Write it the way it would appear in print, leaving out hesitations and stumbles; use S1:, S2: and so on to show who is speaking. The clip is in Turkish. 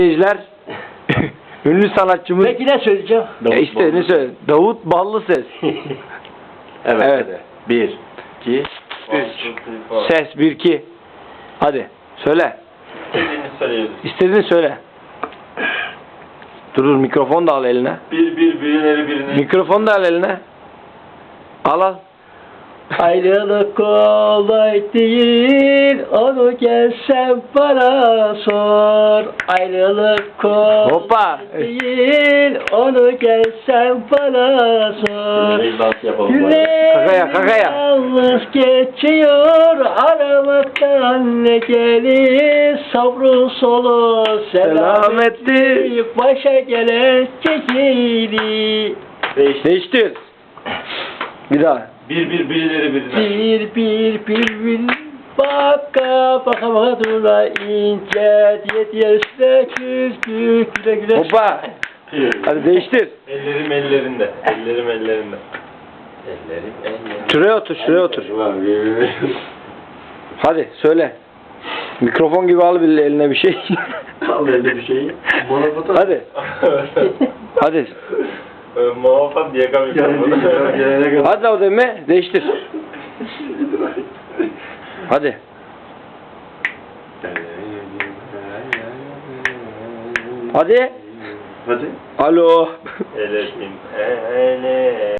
S1: Seyirciler, ünlü sanatçımız...
S2: Peki ne söyleyeceğim?
S1: işte ne söyle? Davut Ballıses.
S3: Evet.
S1: Evet.
S3: Hadi. 1, 2, 3.
S1: Ses 1 2. Hadi söyle.
S3: İstediğini söyleyebilirsin.
S1: İstediğini söyle. Dur mikrofon da al eline.
S3: Birileri birini.
S1: Mikrofon da al eline. Al.
S2: Ayrılık kolay değil, onu gelsen bana sor. Ayrılık kolay
S1: Hoppa.
S2: değil, onu gelsen bana sor.
S3: Dans yapalım.
S2: Yüreğim
S1: Kakaya.
S2: yalnız geçiyor, aramaktan ne gelir, sabrı solu selametli, başa gelen çekili.
S1: Değiştir. Bir daha.
S3: Birileri birine.
S2: Bir baka baka dura ince diye üstüne güle güle.
S1: Hoppa. Hadi değiştir.
S3: Ellerim ellerinde.
S1: Şuraya otur. Hadi söyle. Mikrofon gibi al bir eline bir şey.
S3: Al elde bir şeyi.
S1: Hadi. Hadi.
S3: Muhafaza yakamayacağım.
S1: Hadi o deme. Değiştir. Hadi. Hadi.
S3: Hadi.
S1: Alo.
S3: Elesim.